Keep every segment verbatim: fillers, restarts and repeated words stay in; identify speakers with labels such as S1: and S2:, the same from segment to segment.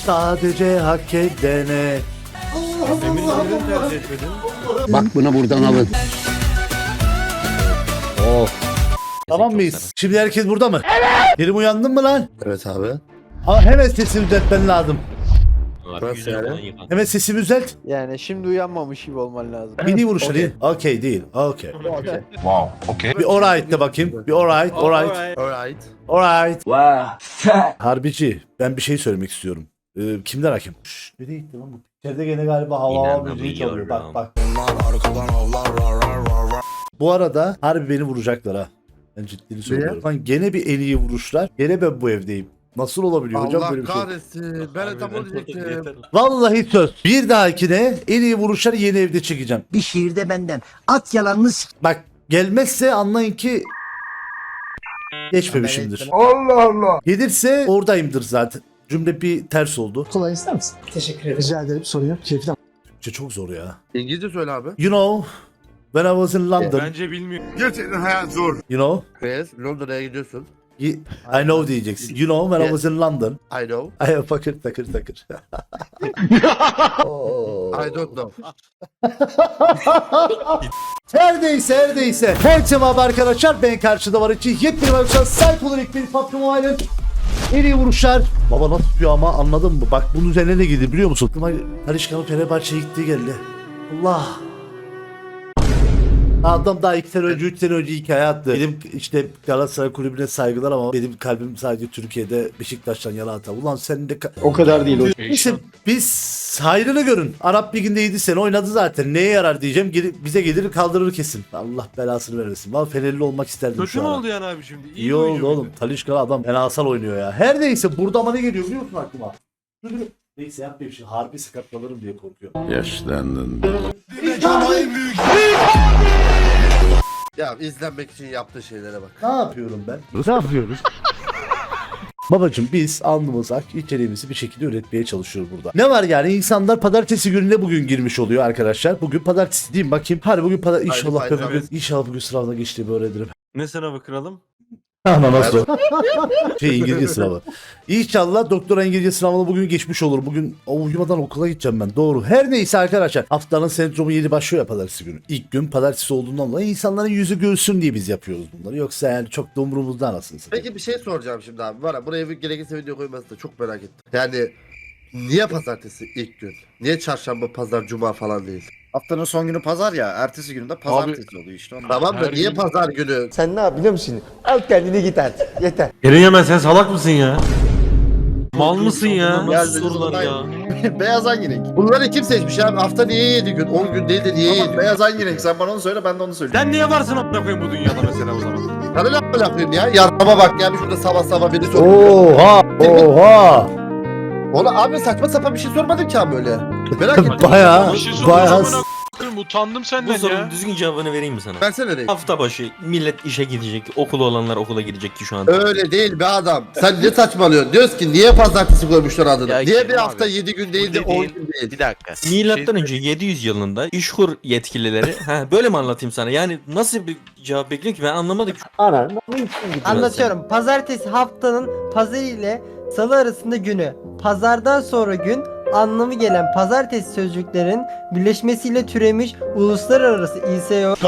S1: sadece hak edene.
S2: Bak bunu buradan alın.
S1: Oh. Tamam mıyız? Şimdi herkes burada mı? Evet. Kerim uyandın mı lan?
S3: Evet abi.
S1: Ama hemen sesini düzeltmen lazım.
S3: Nasıl yani?
S1: Hemen sesini düzelt.
S4: Yani şimdi uyanmamış gibi olman lazım.
S1: Bir iyi vuruşları iyi. Okey değil. Okey.
S4: Okey.
S5: Wow, okay.
S1: Bir alright de bakayım. Bir alright, alright.
S3: Alright.
S1: Alright.
S5: Wow.
S1: Harbici, ben bir şey söylemek istiyorum. Ee, kimler hakim? Şşş, nereye gitti lan bu? İçeride gene galiba hava hava müziği çalıyor. Bak bak. Bu arada harbi beni vuracaklar ha. Ben ciddini söylüyorum. Lan gene bir en iyi vuruşlar. Gene ben bu evdeyim. Nasıl olabiliyor hocam
S3: Allah
S1: böyle bir şey?
S3: kahretsin. Ben de tam onu diyecektim.
S1: Vallahi söz. Bir dahakine en iyi vuruşları yeni evde çekeceğim.
S2: Bir şiirde benden. At yalanını s**.
S1: Bak gelmezse anlayın ki geçmemişimdir. Allah Allah. Gelirse oradayımdır zaten. Cümle bir ters oldu.
S6: Kolay ister misin? Teşekkür ederim. Rica ederim. Sorun yok. Keyifli.
S1: Türkçe çok zor ya.
S3: İngilizce söyle abi.
S1: You know, when I was in London,
S5: Bence bilmiyor. Gerçekten hayat zor.
S1: you know,
S3: Yes, Londra'ya gidiyorsun.
S1: y- I know diyeceksin. You know, when I was in London.
S3: I know.
S1: I fakir takır takır.
S3: I don't know.
S1: Her neyse her neyse. Herkese merhaba arkadaşlar. Ben karşıda var için yepyeni bir arkadaşlar. Sahip olarak bir P U B G Mobile'ın en iyi vuruşlar. Baba nasıl tutuyor ama anladın mı? Bak bunun üzerine ne gidiyor biliyor musun? Talişkan'ın Fenerbahçe'ye gittiği geldi. Allah. Adam daha iki sene önce, üç sene önce hikaye attı. Benim işte Galatasaray kulübüne saygılar ama benim kalbim sadece Türkiye'de Beşiktaş'tan yana atar. Ulan sen de...
S6: O kadar değil o.
S1: Neyse biz hayrını görün. Arap Ligi'nde yedi sene oynadı zaten. Neye yarar diyeceğim. Geri, bize gelir kaldırır kesin. Allah belasını vermesin. Valla Fenerli olmak isterdim
S5: Kötü
S1: şu
S5: mü
S1: an.
S5: oldu yani abi şimdi? İyi,
S1: İyi
S5: oyuncu
S1: oldu
S5: muydu?
S1: oğlum. Talişka adam fenasal oynuyor ya. Her neyse burada ama ne geliyor biliyor musun aklıma? Neyse yapmayayım şimdi. Harbi sakatlanırım diye korkuyorum.
S2: Yaşlandın.
S3: Ya izlenmek için yaptığı şeylere bak.
S1: Ne yapıyorum ben? Ne yapıyoruz? Babacım biz alnımız ak içeriğimizi bir şekilde üretmeye çalışıyoruz burada. Ne var yani insanlar pazartesi gününe bugün girmiş oluyor arkadaşlar. Bugün pazartesi değil mi bakayım. Hadi bugün pazar inşallah
S3: Haydi,
S1: ben
S3: haydi,
S1: bugün inşallah bugün sınavına geçtiğimi öğrenirim.
S5: Ne sınavı kralım?
S1: Ama nasıl? Şey İngilizce sınavı. İnşallah doktora İngilizce sınavına bugün geçmiş olur. Bugün o uyumadan okula gideceğim ben. Doğru. Her neyse arkadaşlar. Haftanın sendromu yeni başlıyor ya pazartesi günü. İlk gün pazartesi olduğundan dolayı insanların yüzü gülsün diye biz yapıyoruz bunları. Yoksa yani çok da umurumuzda anasını satayım.
S3: Peki bir şey soracağım şimdi abi. Var ya buraya bir gerekirse video koyması da çok merak ettim. Yani niye pazartesi ilk gün? Niye çarşamba, pazar, cuma falan değil?
S7: Haftanın son günü pazar ya, ertesi günü de pazartesi oluyor işte. Ondan.
S3: Tamam da
S5: her
S3: niye
S5: gün-
S3: pazar günü?
S4: Sen ne yap biliyor musun? Al kendini git artık. Yeter.
S5: Eren Yemen sen salak mısın ya? Mal mısın ya?
S3: Geldi,
S5: Sorular ya.
S7: Beyaz hangi renk?
S3: Bunları kim seçmiş abi? Hafta niye yedi gün? on gün değil de niye
S7: Tamam,
S3: yedi?
S7: beyaz hangi renk? Sen bana onu söyle, ben de onu söyleyeyim.
S5: Sen niye varsın amına koyayım bu dünyada mesela o zaman?
S3: Sana ne yapayım ya? Yarama bak ya. Bir şurada sabah sabah beni soruyor.
S1: Oha! Oha!
S3: Ona abi saçma sapan bir şey sormadım ki abi öyle. Merak ettim.
S1: Bayağı
S8: Bir şey
S1: bayağı
S8: soracağım amına koyayım, utandım
S9: Bu
S8: senden
S9: sorunun
S8: ya.
S9: düzgün cevabını vereyim mi sana?
S3: Versene reis.
S9: Hafta başı millet işe gidecek, okulu olanlar okula gidecek ki şu an.
S3: Öyle değil be adam. Sen ne saçmalıyorsun? Diyoruz ki niye pazartesi koymuşlar adını?
S8: Ya
S3: niye
S8: Kerim
S3: bir hafta
S8: abi,
S3: yedi gün değil de
S8: bu
S3: on
S8: dediğin-
S3: gün değil?
S8: Bir dakika.
S9: Milattan
S8: Şey-
S9: önce yedi yüz yılında İşkur yetkilileri, ha böyle mi anlatayım sana? Yani nasıl bir cevap bekliyor ki ben anlamadım.
S4: Anlatıyorum. Pazartesi haftanın pazarı ile salı arasında günü. Pazardan sonra gün anlamı gelen pazartesi sözcüklerin birleşmesiyle türemiş uluslararası İ S O.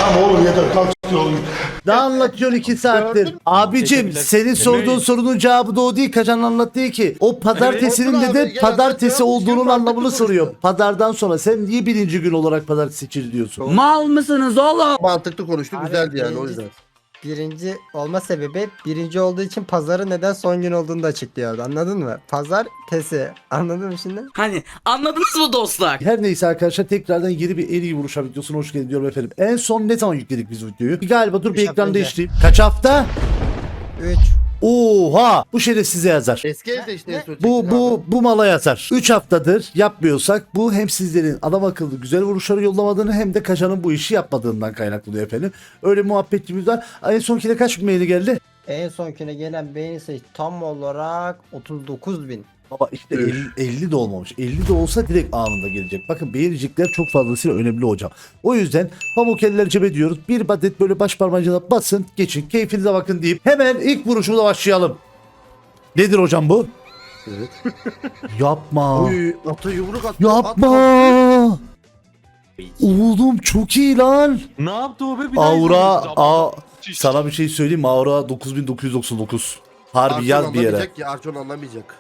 S1: Ne anlatıyorsun iki saattir? Abicim
S9: Teşekkürler.
S1: senin sorduğun
S5: Demeyin.
S1: sorunun cevabı da o değil. Kacan anlattığı ki. O pazartesinin
S3: olsun abi,
S1: dedi
S3: gel
S1: pazartesi
S3: anlat ya.
S1: olduğunun
S3: Kim
S1: anlamını
S3: mantıklı
S1: soruyor.
S3: konuşuyor?
S1: Pazardan sonra sen niye birinci gün olarak pazartesi seçil diyorsun?
S2: Mal mısınız oğlum?
S3: Mantıklı konuştu.
S4: Abi,
S3: Güzeldi yani o
S4: birinci-
S3: yüzden.
S4: Birinci olma sebebi birinci olduğu için pazarı neden son gün olduğunu da açıklıyordu. Anladın mı? Pazartesi. Anladın mı şimdi?
S2: Hani anladınız mı dostlar?
S1: Her neyse arkadaşlar tekrardan yeni bir en iyi vuruşa videosuna hoş geldin diyorum efendim. En son ne zaman yükledik biz videoyu? Galiba dur bir
S4: Üç hafta
S1: ekran
S4: önce.
S1: değiştireyim. Kaç hafta?
S4: üç.
S1: Oha! Bu şeref size yazar.
S3: Eski evde işte en son
S1: Bu
S3: çektik
S1: bu bu mala yazar. üç haftadır yapmıyorsak bu hem sizlerin adam akıllı güzel vuruşları yollamadığını hem de Kaşan'ın bu işi yapmadığından kaynaklanıyor efendim. Öyle muhabbetimiz var. En sonkine kaç bin maili geldi?
S4: En sonkine gelen beğeni sayısı tam olarak otuz dokuz bin.
S1: Baba işte elli, elli de olmamış. elli de olsa direkt anında gelecek. Bakın beğenecekler çok fazlasıyla önemli hocam. O yüzden pamuk eller cebe diyoruz. Bir adet böyle baş parmağınıza basın geçin keyfinize bakın deyip hemen ilk vuruşumuza başlayalım. Nedir hocam bu?
S3: Evet.
S1: Yapma.
S3: Oy ata yumruk attı.
S1: Yapma. Oğlum çok iyi lan.
S5: Ne yaptı o be? Bir daha
S1: Aura
S5: izleyelim.
S1: a sana bir şey söyleyeyim mi? Aura dokuz bin dokuz yüz doksan dokuz. Harbi
S3: Arçon
S1: yaz bir yere.
S3: anlamayacak ki Arçon anlamayacak.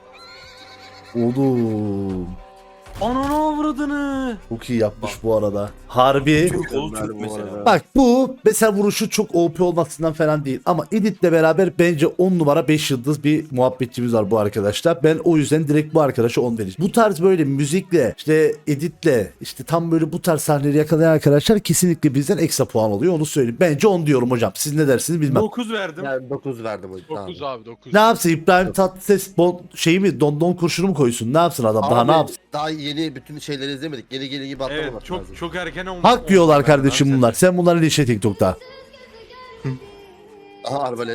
S1: Oğlum.
S5: Ananı avradını.
S1: Çok iyi yapmış bu arada. Harbi.
S9: Türk oğlu Türk
S3: Mükemmel bu
S9: mesela.
S3: arada.
S1: Bak bu mesela vuruşu çok O P olmasından falan değil ama editle beraber bence on numara beş yıldız bir muhabbetçimiz var bu arkadaşlar. Ben o yüzden direkt bu arkadaşa on vereceğim. Bu tarz böyle müzikle işte editle işte tam böyle bu tarz sahneleri yakalayan arkadaşlar kesinlikle bizden ekstra puan alıyor onu söyleyeyim. Bence on diyorum hocam. Siz ne dersiniz bilmem.
S5: dokuz verdim.
S3: Yani dokuz verdim o
S8: dokuz abi dokuz.
S1: Ne yapsın İbrahim Tatlıses bon, şey mi don don kurşunu mu koysun? Ne yapsın adam? Daha
S3: Abi,
S1: ne yapsın?
S3: Daha yeni bütün şeyleri izlemedik. Geri geri gibi atlamamak
S5: Evet çok
S3: lazım.
S5: çok erken olmuş.
S1: Hak yiyorlar kardeşim bunlar. Sen bunları ilişe TikTok'ta.
S3: Aha arbalet.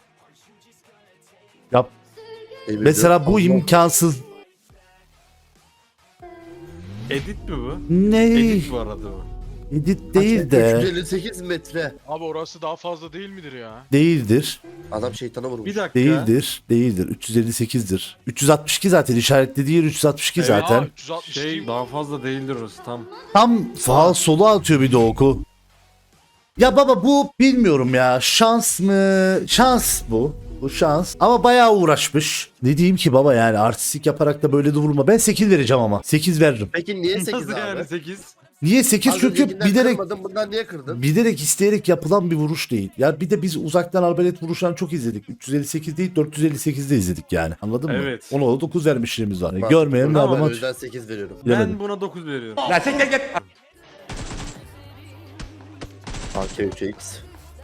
S1: Yap.
S3: Emin
S1: Mesela bu
S3: Allah.
S1: imkansız.
S5: Edit mi bu?
S1: Ne?
S5: Edit bu arada bu.
S1: Edit değil de.
S3: üç yüz elli sekiz metre.
S8: Abi orası daha fazla değil midir ya?
S1: Değildir.
S3: Adam şeytana vurmuş.
S5: Bir dakika.
S1: Değildir. Değildir. üç yüz elli sekizdir. üç yüz altmış iki zaten işaretlediği yer üç yüz altmış iki
S5: Evet.
S1: zaten.
S8: Aa, üç yüz altmış
S5: Şey
S8: değil.
S5: daha fazla değildir orası tam.
S1: Tam sağ sola atıyor bir de oku. Ya baba bu bilmiyorum ya. Şans mı? Şans bu. Bu şans. Ama bayağı uğraşmış. Ne diyeyim ki baba yani artistik yaparak da böyle de vurma. Ben sekiz vereceğim ama. sekiz veririm.
S3: Peki niye sekiz
S5: Nasıl
S3: abi?
S5: yani sekiz?
S1: Niye sekiz?
S3: Az
S1: Çünkü
S3: öncekinden
S1: bilerek
S3: kırmadın, bundan niye kırdın?
S1: bilerek isteyerek yapılan bir vuruş değil. Ya bir de biz uzaktan arbalet vuruşlarını çok izledik. üç yüz elli sekiz değil dört yüz elli sekizde izledik yani. Anladın mı?
S5: Evet.
S1: Ona da dokuz vermişliğimiz var.
S3: Bak,
S1: Görmeyelim de
S3: bundan var,
S1: adama
S3: O yüzden sekiz veriyorum.
S1: bilemedim.
S5: Ben buna dokuz veriyorum.
S3: A K üç X.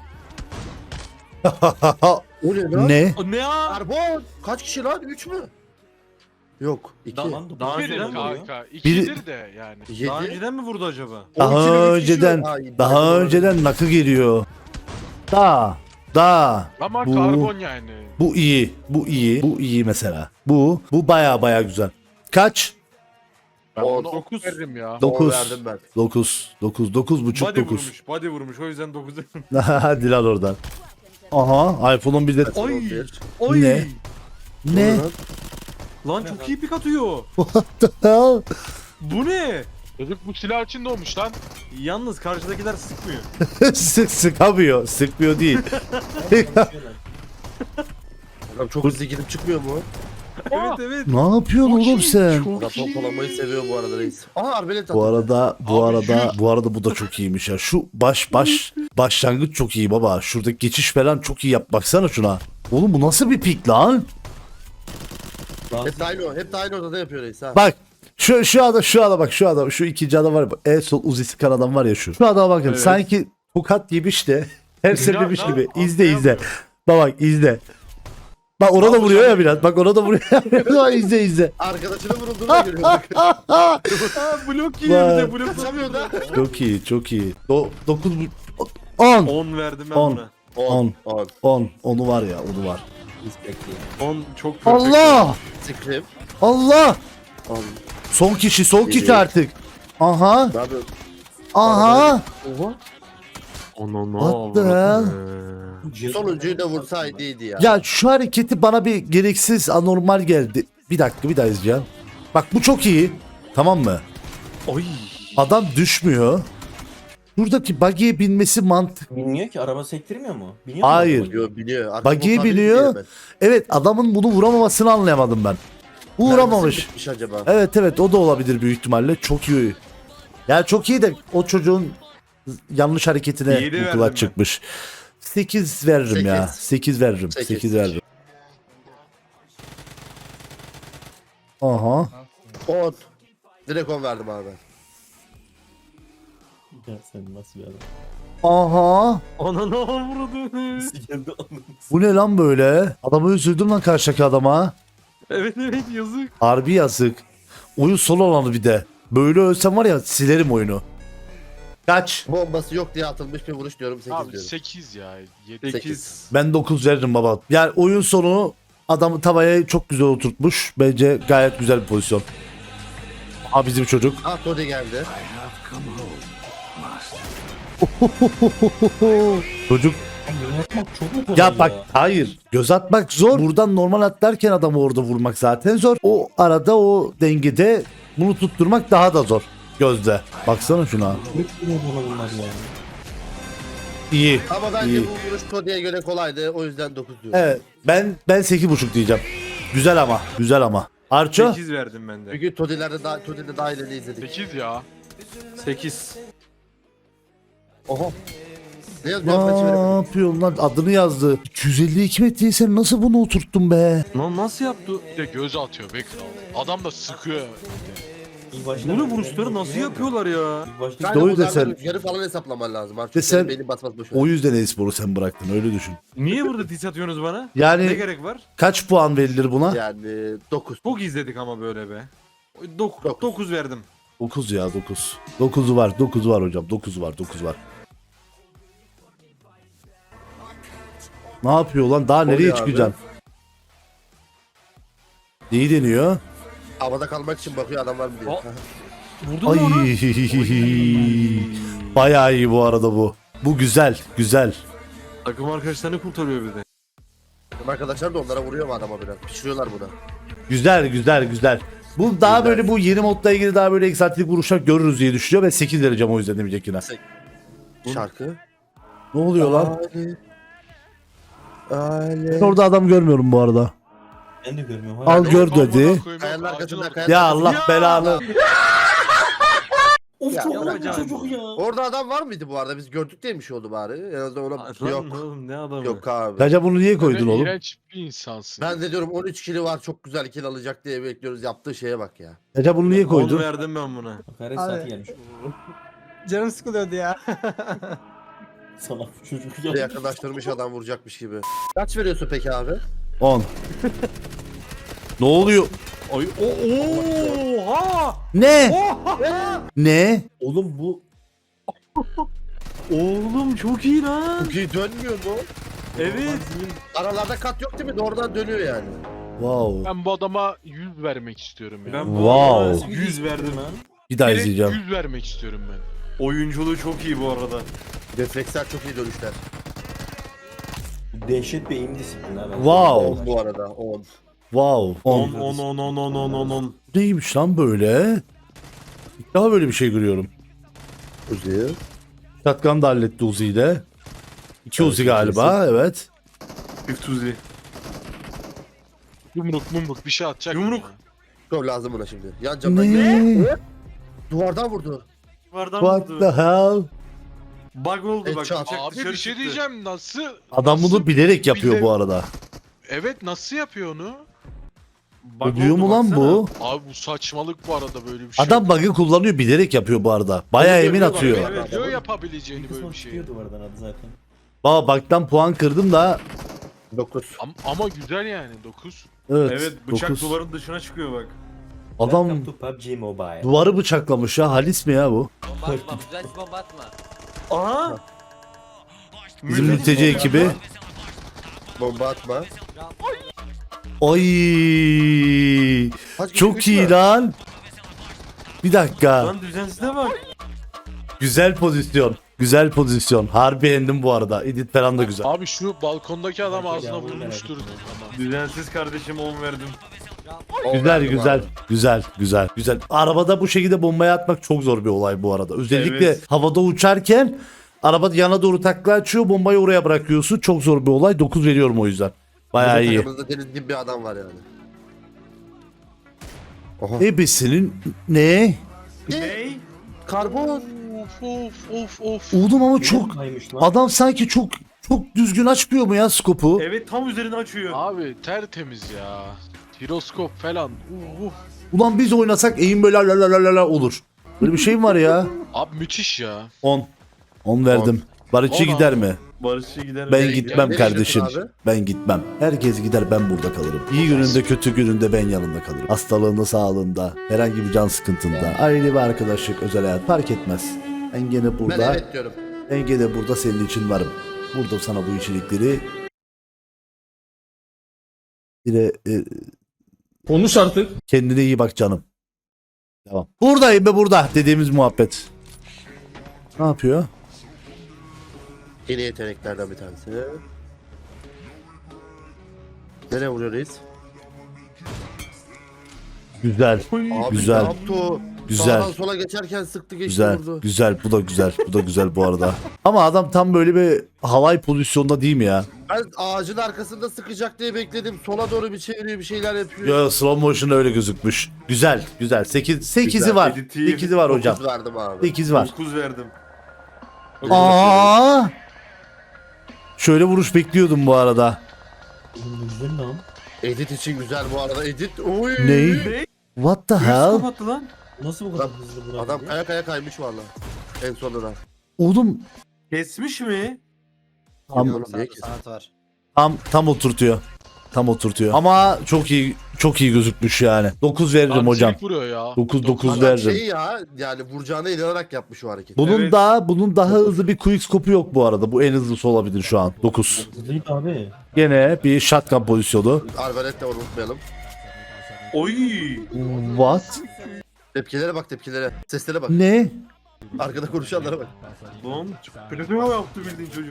S3: O ne lan?
S1: Ne?
S5: O ne ya?
S3: Karbon. Kaç kişi lan? üç mü? Yok. iki.
S9: Daha,
S5: Daha
S8: Birim
S5: önceden mi vuruyor?
S8: kanka. İkidir de yani.
S3: yedi.
S5: Daha önceden mi vurdu acaba?
S3: on kilo
S1: Daha
S3: üç kişi
S1: önceden
S3: yok. Ay,
S1: daha
S3: daha
S1: önceden nakı geliyor. Da da
S8: Ama
S1: Bu-
S8: karbon yani.
S1: bu iyi. Bu iyi. Bu iyi mesela. Bu bu baya baya güzel. Kaç?
S8: Ben
S3: On.
S8: ona dokuz veririm ya.
S3: On
S1: dokuz.
S3: verdim ben.
S1: dokuz. dokuz. dokuz buçuk
S5: Body
S1: dokuz.
S5: vurmuş. Body vurmuş. O yüzden dokuz.
S1: Hadi lan oradan. Aha iPhone'un bir de
S5: Oy.
S3: On bir.
S5: Oy.
S1: Ne? ne?
S3: lan?
S5: Lan çok iyi pik atıyor. Bu ne?
S8: Çocuk bu silah için doğmuş lan.
S5: Yalnız karşıdakiler sıkmıyor.
S1: Sık sıkamıyor. Sıkmıyor değil.
S3: Adam çok hızlı gidip çıkmıyor mu?
S5: Evet evet.
S1: Ne yapıyorsun oğlum sen?
S3: Adam pompalamayı seviyor bu arada reis. Aha arbelet
S1: Bu
S3: attı.
S1: arada bu
S8: Abi
S1: arada
S8: yüz.
S1: bu arada bu da çok iyiymiş ya. Şu baş baş başlangıç çok iyi baba. Şuradaki geçiş falan çok iyi yap. Baksana şuna. Oğlum bu nasıl bir pik lan?
S3: Hep de aynı o. Hep de aynı ortada yapıyor reis ha.
S1: Bak şu şu adam şu adam bak şu adam şu ikinci adam var ya. En sol uzisi kan adam var ya şu. Şu adama bakın
S5: Evet.
S1: sanki tokat yemiş de her sefermiş
S8: lan,
S1: gibi.
S8: aslında
S1: İzle izle.
S8: yapmıyor.
S1: Bak bak izle. Bak ona da vuruyor ya biraz. Bak ona da vuruyor. Bak izle izle.
S3: Arkadaşına vurulduğunu görüyor. Bak.
S5: Aa blok yiyor bir de blok.
S3: Kaçamıyor da.
S1: Çok iyi çok iyi. Do dokuz on
S5: on verdim ben
S1: On.
S5: buna.
S1: On.
S3: On.
S1: on onu var ya onu var.
S5: on çok perfect.
S1: Allah!
S3: Scream.
S1: Allah!
S3: On.
S1: Son kişi, son kişi
S3: Geliyor.
S1: artık. Aha,
S3: Ne yapıyor?
S1: aha.
S3: Oha.
S5: Onu ne
S1: What the
S5: avradını.
S3: Sonuncuyu da vursaydı iyiydi ya.
S1: Ya şu hareketi bana bir gereksiz anormal geldi. Bir dakika bir daha izleyeceğim. Bak bu çok iyi. Tamam mı?
S5: Oy.
S1: Adam düşmüyor. Buradaki buggy'e binmesi mantık.
S9: Bilmiyor ki araba sektirmiyor mu? Biniyor mu
S1: Hayır.
S9: araba?
S3: Biliyor biliyor. Artık
S1: Buggy'ye
S3: bu tabii
S1: biniyor.
S3: biliyor ben.
S1: Evet adamın bunu vuramamasını anlayamadım ben.
S3: Mermisi
S1: Uğramamış.
S3: bitmiş acaba.
S1: Evet evet o da olabilir büyük ihtimalle. Çok iyi. Ya çok iyi de o çocuğun yanlış hareketine
S5: Yedi verdim
S1: mutlaka
S5: ben.
S1: çıkmış. sekiz veririm ya.
S3: Sekiz.
S1: sekiz veririm.
S3: Sekiz.
S1: sekiz veririm. Aha.
S3: On. Direkt on verdim abi.
S9: Ya sen nasıl bir adam?
S1: Aha.
S5: Ona ne avradını.
S9: Geldi anladın.
S1: Bu ne lan böyle? Adamı üzüldüm lan karşıdaki adama.
S5: Evet evet yazık.
S1: Harbi yazık. Oyun son alanı bir de. Böyle ölsem var ya silerim oyunu. Kaç?
S3: Bombası yok diye atılmış bir vuruş diyorum sekiz
S8: Abi
S3: diyorum.
S8: sekiz ya. yedi.
S5: sekiz.
S1: Ben dokuz veririm baba. Yani oyun sonu adamı tavaya çok güzel oturtmuş. Bence gayet güzel bir pozisyon. Aha bizim çocuk.
S3: Ah Tode geldi.
S1: Çocuk
S9: Çok mu kolay
S1: Ya bak hayır. Göz atmak zor. Buradan normal atlarken adamı orada vurmak zaten zor. O arada o dengede bunu tutturmak daha da zor. Gözde. Baksana şuna. İyi.
S3: Ama bence
S1: İyi.
S3: bu vuruş Todi'ye göre kolaydı. O yüzden dokuz diyorum.
S1: Evet. Ben ben sekiz buçuk diyeceğim. Güzel ama. Güzel ama. Arço?
S5: sekiz verdim ben de.
S3: Çünkü Todi'lerde daha Todi'de daha ileri izledik.
S8: sekiz ya.
S5: sekiz.
S3: Oho. Ne yazıyor? Maçı
S1: Ne
S3: veremedim.
S1: yapıyorsun lan? Adını yazdı. iki yüz elli iki metreyi sen nasıl bunu oturttun be?
S5: Lan nasıl yaptı?
S8: Bir de göz atıyor be kral. Adam da sıkıyor.
S5: Bunu vuruşları nasıl yapıyorlar ya?
S3: Kanka
S1: Doğru
S3: bunlardan
S1: desen-
S3: yarı falan hesaplaman lazım. Artık
S1: Desen-
S3: senin beynin basmaz boş ver.
S1: O yüzden e-sporu sen bıraktın öyle düşün.
S5: Niye burada diss atıyorsunuz bana? Ne
S1: Yani
S5: gerek var?
S1: kaç puan verilir buna?
S3: Yani dokuz.
S5: Çok izledik ama böyle be.
S3: Dokuz.
S5: dokuz verdim.
S1: dokuz ya dokuz. dokuzu var dokuzu var hocam dokuzu var dokuzu var. Ne yapıyor lan? Daha nereye
S3: Oluyor abi.
S1: çıkacaksın? Neyi deniyor?
S3: Havada kalmak için bakıyor adam var mı diye.
S5: O- Vurdun
S1: Ay.
S5: mu onu?
S1: Bayağı iyi bu arada bu. Bu güzel, güzel.
S5: Takım arkadaşlarını kurtarıyor bir de.
S3: Benim arkadaşlar da onlara vuruyor mu adama biraz? Pişiriyorlar buna.
S1: Güzel, güzel, güzel. Bu daha
S3: Güzel.
S1: böyle bu yeni modla ilgili daha böyle egzantrik vuruşlar görürüz diye düşünüyor ve sekiz vereceğim o yüzden demeyecek yine.
S3: Şarkı.
S1: Ne oluyor lan?
S3: Ali. Ali.
S1: Ben orada adam görmüyorum bu arada.
S9: Ben de görmüyorum.
S1: Al gör
S8: Amına
S1: dedi.
S8: koyayım,
S3: Kayanın
S8: ağacın
S3: arkasında
S8: ortasında.
S3: kayanın
S1: Ya
S3: arkasında.
S1: Allah belanı.
S9: Of
S3: Ya,
S9: çok
S3: ya,
S9: kolay
S5: ya.
S9: çocuk ya.
S3: Orada adam var mıydı bu arada? Biz gördük diye mi şey oldu bari? En azından ona
S5: Lan
S3: yok.
S5: oğlum ne adamı?
S3: Yok abi.
S1: Bence bunu niye koydun
S8: Sen
S1: oğlum?
S8: İğrenç bir insansın.
S3: Ben de diyorum on üç kili var çok güzel kill alacak diye bekliyoruz. Yaptığı şeye bak ya.
S1: Bence bunu niye
S5: on
S1: koydun?
S5: verdim ben buna.
S9: Hakaret
S4: Abi.
S9: saati gelmiş.
S4: Canım sıkılıyordu ya.
S9: Salak çocuk
S3: Bir
S9: ya.
S3: yakınlaştırmış adam vuracakmış gibi. Kaç veriyorsun peki abi?
S1: on. Ne oluyor?
S5: Ay o oha!
S1: Ne? Ne?
S9: Oğlum bu
S5: Oğlum çok iyi lan.
S3: Çok iyi dönmüyor mu?
S5: Evet.
S3: Aralarda kat yok değil mi? Doğrudan dönüyor yani.
S1: Wow.
S8: Ben bu adama yüz vermek istiyorum ya.
S5: Ben bu
S1: Wow.
S5: arada yüz verdim.
S1: Bir daha
S8: Direkt
S1: izleyeceğim.
S8: yüz vermek istiyorum ben.
S5: Oyunculuğu çok iyi bu arada.
S3: Refleksler çok iyi dönüşler.
S9: dehşet bir eğim disiplini abi.
S1: Wow.
S3: on bu arada on.
S1: Wow.
S5: on
S1: on.
S5: on on on on on on on.
S1: Neymiş lan böyle? İlk daha böyle bir şey görüyorum.
S3: Uzi.
S1: Şatkan da halletti Uzi ile. İki
S3: Evet,
S1: Uzi galiba evet.
S5: Üftuzi.
S8: Yumruk mumruk bir şey atacak.
S5: Yumruk.
S8: mı?
S3: Çok lazım buna şimdi. Yan camdan geliyor.
S1: Ne?
S3: Duvardan vurdu.
S5: Vardan
S1: What
S5: vurdu.
S1: the hell?
S5: Bug oldu bak.
S3: Headshot.
S5: bıçak
S8: Abi
S5: dışarı
S8: bir şey
S5: çıktı.
S8: diyeceğim nasıl?
S1: Adam
S8: nasıl-
S1: bunu bilerek yapıyor
S8: bile-
S1: bu arada.
S8: Evet nasıl yapıyor onu?
S5: Bug
S1: Diyor
S5: oldu
S1: mu lan
S5: baksana.
S1: bu?
S8: Abi bu saçmalık bu arada böyle bir şey.
S1: Adam bug'ı kullanıyor bilerek yapıyor bu arada. Bayağı
S3: Onu
S1: emin
S3: görüyorlar
S1: atıyor.
S3: ya.
S8: Evet, diyor yapabileceğini böyle bir şey.
S9: Çıkıyor duvardan adı zaten.
S1: Baba bug'dan puan kırdım da.
S3: dokuz.
S8: Ama, ama güzel yani dokuz.
S1: Evet.
S5: Evet bıçak
S1: dokuz.
S5: duvarın dışına çıkıyor bak.
S1: Adam
S9: Welcome to P U B G Mobile.
S1: duvarı bıçaklamış ya. Halis mi ya bu?
S5: Aha!
S1: Bizim
S5: Müthiş
S1: mülteci
S5: bomba.
S1: ekibi.
S3: Bomba atma.
S1: Ay
S3: Kaç kişi
S1: çok
S3: güçlü
S1: iyi
S3: var?
S1: lan. Bir dakika.
S5: Lan düzensizliğe bak.
S1: Güzel pozisyon. Güzel pozisyon. Harbi beğendim bu arada. Edit falan da güzel.
S8: Abi şu balkondaki adam
S9: Merak
S8: ağzına
S9: ediyorum,
S8: vurmuştur.
S9: merak
S8: Ama.
S5: Düzensiz kardeşim on verdim.
S3: On
S1: Güzel
S3: verdim
S1: güzel.
S3: abi.
S1: Güzel güzel. Güzel. Arabada bu şekilde bombayı atmak çok zor bir olay bu arada. Özellikle
S5: Evet.
S1: havada uçarken araba yana doğru takla açıyor. Bombayı oraya bırakıyorsun. Çok zor bir olay. dokuz veriyorum o yüzden. Bayağı
S3: Bizim
S1: iyi.
S3: takımımızda deniz gibi bir adam var yani. Oha.
S1: Ebesinin ne?
S5: Ney?
S3: Karbon.
S8: Of of of of.
S1: Oğlum ama çok
S9: Kaymış lan.
S1: adam sanki çok çok düzgün açmıyor mu ya skopu?
S5: Evet tam üzerine açıyor.
S8: Abi tertemiz ya. Jiroskop falan. Uh, uh.
S1: Ulan biz oynasak eğim böyle la la la la la olur. Böyle bir şey mi var ya?
S8: Abi müthiş ya.
S1: on. on verdim. Barışçı
S8: On
S1: gider
S8: abi.
S1: mi?
S5: Barışçı gider.
S1: Ben
S3: Nereye
S1: gitmem
S3: gidiyor? Nereye
S1: kardeşim.
S3: gidiyorsun
S1: Ben gitmem. Herkes gider ben burada kalırım. İyi gününde kötü gününde ben yanında kalırım. Hastalığında sağlığında herhangi bir can sıkıntında aile bir arkadaşlık özel hayat fark etmez. Ben gene
S3: Ben
S1: burada
S3: evet diyorum.
S1: ben gene burada senin için varım. Burada sana bu içerikleri Yine e,
S6: Konuş artık.
S1: kendine iyi bak canım. Tamam. Buradayım be burada dediğimiz muhabbet. Ne yapıyor?
S3: Yeni yeteneklerden bir tanesi. Nereye vuruyor reis?
S1: Güzel.
S3: Abi
S1: Güzel.
S3: ne yaptı o?
S1: Güzel.
S3: Sağdan sola geçerken sıktı geçti
S1: Güzel.
S3: vurdu.
S1: Güzel. Bu da güzel. Bu da güzel bu arada. Ama adam tam böyle bir havai pozisyonda değil mi ya?
S3: Ben ağacın arkasında sıkacak diye bekledim. Sola doğru bir çeviriyor bir şeyler yapıyor.
S1: Yo, slow motion öyle gözükmüş. Güzel. Güzel. sekiz sekizi
S3: Güzel.
S1: var.
S5: Editif.
S1: sekizi var hocam.
S3: dokuz verdim abi.
S1: sekiz var.
S5: dokuz verdim.
S1: Aa! Şöyle vuruş bekliyordum bu arada.
S3: Edit için güzel bu arada. Edit. Oy.
S1: Ney? What the
S5: Yüz
S1: hell?
S5: kapattı lan.
S6: Nasıl bu
S3: Adam, adam kaya kaya kaymış valla. En sonunda.
S1: Oğlum
S5: Kesmiş mi?
S1: tam,
S3: Oğlum niye kesin?
S4: Sanat var.
S1: tam tam oturtuyor. Tam oturtuyor. Ama çok iyi çok iyi gözükmüş yani. dokuz veririm
S8: Abi
S1: hocam.
S8: çelik vuruyor ya.
S1: dokuz dokuz
S3: Adam
S1: veririm.
S3: şey ya yani vuracağına inanarak yapmış o hareketi.
S1: Bunun
S5: Evet.
S1: daha bunun daha hızlı bir quickscope'u yok bu arada. Bu en hızlısı olabilir şu an. dokuz.
S6: abi?
S1: Gene bir shotgun pozisyonu.
S3: Arbalet de var, unutmayalım.
S5: Oy.
S1: What?
S3: Tepkilere bak tepkilere. Seslere bak.
S1: Ne?
S3: Arkada konuşanlara bak.
S5: Lan platoya yaptı bildiğin çocuk.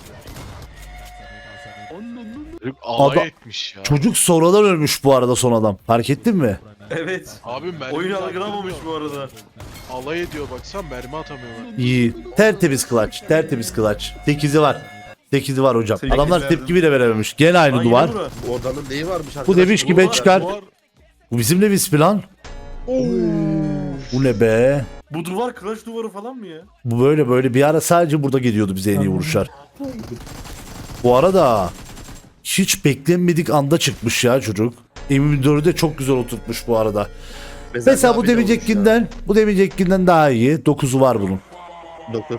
S8: Çocuk alay
S1: Adam-
S8: etmiş ya.
S1: Çocuk sonradan ölmüş bu arada son adam. Fark ettin mi?
S5: Evet.
S8: Abi mermi
S5: Oyun
S8: atamıyor.
S5: algılamamış bu arada.
S8: Alay ediyor baksan mermi atamıyorlar.
S1: İyi. Tertemiz clutch. Tertemiz clutch. sekizi var. sekizi var hocam.
S5: Sekiz
S1: Adamlar
S5: verdim.
S1: tepki bile verememiş. Gene aynı
S5: Lan
S1: duvar.
S5: yine bura.
S3: Bu odanın neyi varmış arkadaş?
S1: Bu demiş ki ben
S3: var.
S1: çıkar.
S8: Duvar-
S1: Bu bizim de bir plan. Bu ne be?
S5: Bu duvar kılıç duvarı falan mı ya?
S1: Bu böyle böyle bir ara sadece burada geliyordu bize en iyi vuruşlar. Bu arada hiç beklenmedik anda çıkmış ya çocuk. M yirmi dördü de çok güzel oturtmuş bu arada. Mesela bu
S3: abi de olmuş
S1: demeyecekkinden bu demeyecekkinden daha iyi. dokuzu var bunun.
S3: ya. dokuz.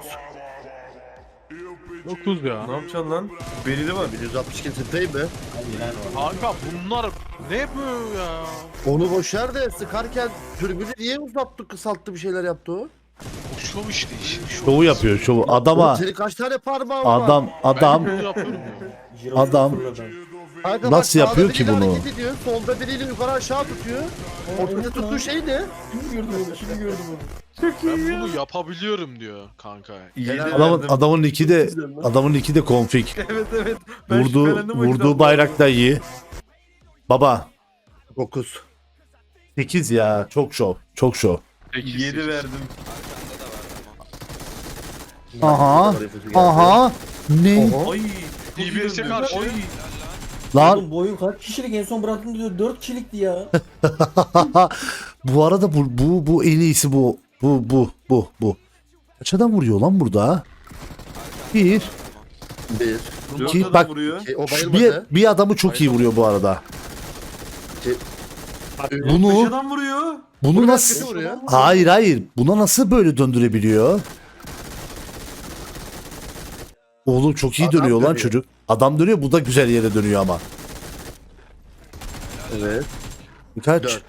S8: dokuz ya.
S5: Ne yapacaksın lan? Belli var.
S3: yüz altmış iki sprey mi?
S8: Kanka bunlar ne bu ya?
S3: Onu boşver de sıkarken türbünü niye uzattı kısalttı bir şeyler yaptı o?
S8: O şov işte işin şov.
S1: Şovu yapıyor şovu.
S3: Oğlum
S1: Adama
S3: senin kaç tane parmağın var?
S1: adam adam
S8: Ben bunu yapıyorum ya.
S1: adam
S3: Kanka
S1: nasıl
S3: bak,
S1: yapıyor
S3: sağda
S1: ki
S3: biriyle
S1: bunu?
S3: hareket ediyor, solda biriyle yukarı aşağı tutuyor. Ortada tuttuğu şey ne?
S8: Ben bunu yapabiliyorum diyor kanka.
S5: İyi
S1: adamın adamın iki de adamın iki de config.
S5: Evet evet. Ben
S1: Vurduğu
S5: şüphelendim o yüzden.
S1: vurduğu bayrak da iyi. Baba
S3: dokuz.
S1: sekiz ya çok şov. Çok şov.
S5: yedi verdim.
S1: Aha. Aha. Ne?
S5: Ay.
S8: D B S'e karşı.
S5: Ay.
S1: Lan
S6: Bu oyun kaç kişilik en son bıraktım diyor dört kişilikti ya.
S1: bu arada bu bu bu en iyisi bu. Bu bu bu bu. Kaç adam vuruyor lan burada? Bir.
S3: Bir.
S1: İki,
S5: Dört
S1: bak-
S5: adam vuruyor.
S3: Şey, o
S1: Bir,
S3: bayılmadı.
S1: bir adamı çok iyi vuruyor bu arada.
S5: Beş
S1: Bunu
S5: adam vuruyor.
S1: bunu
S3: Bunu
S1: nasıl
S3: nasıl vuruyor?
S1: Hayır hayır. Buna nasıl böyle döndürebiliyor? Oğlum çok iyi
S3: Adam
S1: dönüyor lan
S3: dönüyor.
S1: çocuk. Adam dönüyor, bu da güzel yere dönüyor ama.
S3: Evet.
S1: Kaç?
S3: Dört.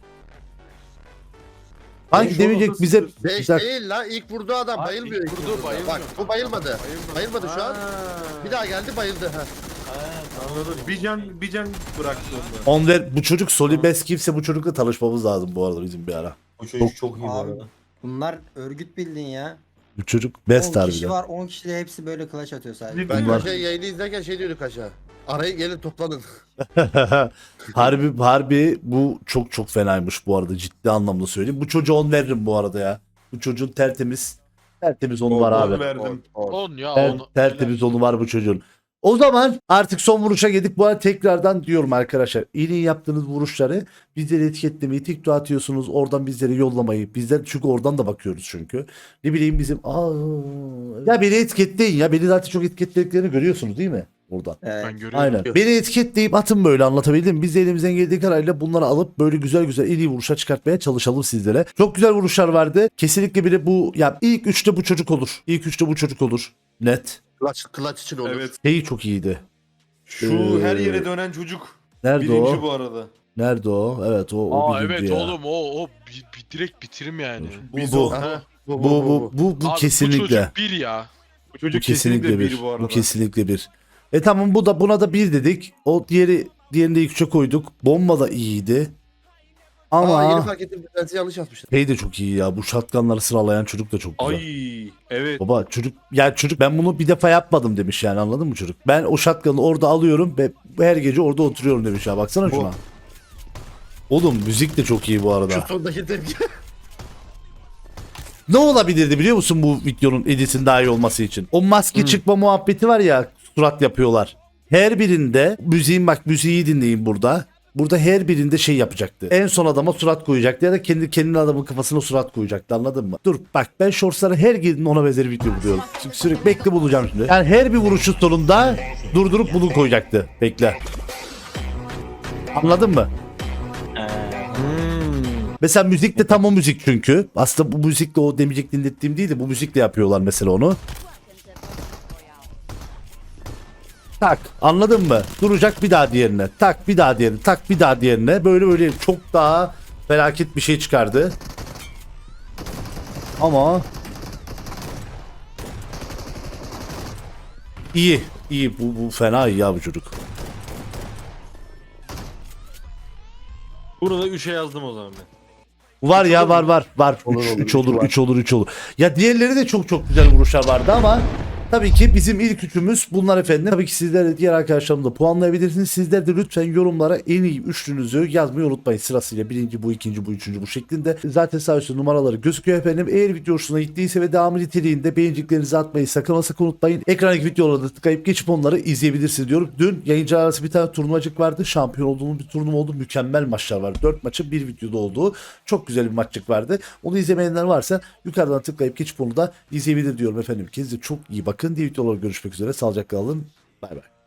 S1: Hangi
S5: Beş
S1: demeyecek
S5: olmasa
S1: bize?
S5: sıfır.
S1: Bir
S3: Beş
S1: dakika.
S3: değil la ilk vurduğu adam
S8: Abi
S3: bayılmıyor.
S8: ilk
S3: ilk
S8: vurduğu
S3: vurduğunda.
S8: bayılmıyor.
S3: Bak bu bayılmadı. Bayılmadı şu an. Bir daha geldi bayıldı. Ha.
S5: Anladım. Bir can, bir can bıraktı onda.
S1: On ver, bu çocuk Solibes kimse bu çocukla tanışmamız lazım bu arada bizim bir ara.
S6: Bu çocuk çok iyi bu
S4: Abi,
S6: arada.
S4: bunlar örgüt bildin ya.
S1: Bu çocuk best
S4: on kişi
S1: harbiden.
S4: var on kişi de hepsi böyle clutch atıyor sadece.
S3: Ben
S1: Bunlar-
S3: şey yayını izlerken şey diyorduk aşağı. Arayın gelin toplanın.
S1: harbi harbi bu çok çok fenaymış bu arada, ciddi anlamda söyleyeyim. Bu çocuğa on veririm bu arada ya. Bu çocuğun tertemiz tertemiz onu var
S5: On
S1: abi.
S5: verdim.
S8: on ya
S1: Ter,
S8: on.
S1: tertemiz onu var bu çocuğun. O zaman artık son vuruşa geldik. Bu arada tekrardan diyorum arkadaşlar. İyi yaptığınız vuruşları bizleri etiketlemeyi, TikTok atıyorsunuz. Oradan bizlere yollamayı. Bizler çünkü oradan da bakıyoruz çünkü. Ne bileyim bizim. Aa, ya beni etiketleyin ya. Beni zaten çok etiketlediklerini görüyorsunuz değil mi? Buradan.
S4: Evet.
S8: Ben görüyorum.
S1: Aynen. Beni etiketleyip atın, böyle anlatabildim mi? Biz de elimizden geldiği kadarıyla bunları alıp böyle güzel güzel en iyi vuruşa çıkartmaya çalışalım sizlere. Çok güzel vuruşlar vardı. Kesinlikle biri bu, ya ilk üçte bu çocuk olur. İlk üçte bu çocuk olur. Net.
S3: Clutch, clutch için olur.
S5: Evet.
S1: Şeyi çok iyiydi.
S5: Şu
S1: Ee,
S5: her yere dönen çocuk.
S1: Nerede
S5: Birinci
S1: o?
S5: bu arada.
S1: Nerede o? Evet o, o
S8: Aa
S1: birinci
S8: evet
S1: ya.
S8: oğlum o o bir, bir direkt bitirim yani.
S1: Bu
S5: Biz
S1: bu.
S5: o-
S3: Aha,
S1: Bu bu bu, bu
S8: Abi,
S1: kesinlikle.
S8: Bu çocuk bir ya.
S5: Bu
S1: Bu
S5: çocuk
S1: kesinlikle bir.
S5: bu arada.
S1: Bu kesinlikle bir. E tamam, bu da buna da bir dedik. O diğeri diğerini de ilk üçe koyduk. Bomba da iyiydi. Ama
S3: Aa, yeni fark ettim. Bir yanlış yazmışlar.
S1: şey de çok iyi ya. Bu shotgunları sıralayan çocuk da çok güzel.
S5: Ay evet.
S1: Baba çocuk ya çocuk ben bunu bir defa yapmadım demiş yani, anladın mı çocuk? Ben o shotgun'ı orada alıyorum ve her gece orada oturuyorum demiş ya. Baksana şuna. Oğlum müzik de çok iyi bu arada.
S3: Şu sondaki tepki.
S1: Ne olabilirdi biliyor musun bu videonun editin daha iyi olması için? O maske çıkma muhabbeti var ya, surat yapıyorlar. Her birinde müziğin, bak müziği dinleyin burada. Burada her birinde şey yapacaktı. En son adama surat koyacaktı ya da kendi kendine adamın kafasına surat koyacaktı, anladın mı? Dur bak, ben shortslara her girdiğinde ona benzer video buluyorum. Sü- Sürekli bekle, bulacağım şimdi. Yani her bir vuruşun sonunda durdurup bunu koyacaktı. Bekle. Anladın mı? Mesela müzik de tam o müzik çünkü. Aslında bu müzikle o demeyecek dinlettiğim değil de bu müzikle yapıyorlar mesela onu. Tak, anladın mı? Duracak, bir daha diğerine. Tak, bir daha diğerine. Tak, bir daha diğerine. Böyle böyle çok daha felaket bir şey çıkardı. Ama iyi. İyi. Bu, bu fena iyi ya bu çocuk.
S9: Burada üçe yazdım o zaman ben.
S1: Var ya, var var var.
S3: Olur, olur,
S1: üç olur,
S3: üç var.
S1: üç olur, üç olur. Ya diğerleri de çok çok güzel vuruşlar vardı ama tabii ki bizim ilk üçümüz bunlar efendim. Tabii ki sizler de diğer arkadaşlarım da puanlayabilirsiniz. Sizler de lütfen yorumlara en iyi üçlünüzü yazmayı unutmayın. Sırasıyla birinci bu, ikinci bu, üçüncü bu şeklinde. Zaten sağ üstte numaraları gözüküyor efendim. Eğer video hoşuna gittiyse ve devamı niteliğinde beğeniciklerinizi atmayı sakın ama sakın unutmayın. Ekrandaki videoları da tıklayıp geçip onları izleyebilirsiniz diyorum. Dün yayıncılar arası bir tane turnuvacık vardı. Şampiyon olduğumuz bir turnuva oldu. Mükemmel maçlar vardı. dört maçı bir videoda olduğu çok güzel bir maçlık vardı. Onu izlemeyenler varsa yukarıdan tıklayıp geçip onu da izleyebilir diyorum efendim. Kendinize çok iyi bakın. Diğer videolarda görüşmek üzere. Sağlıcakla kalın. Bay bay.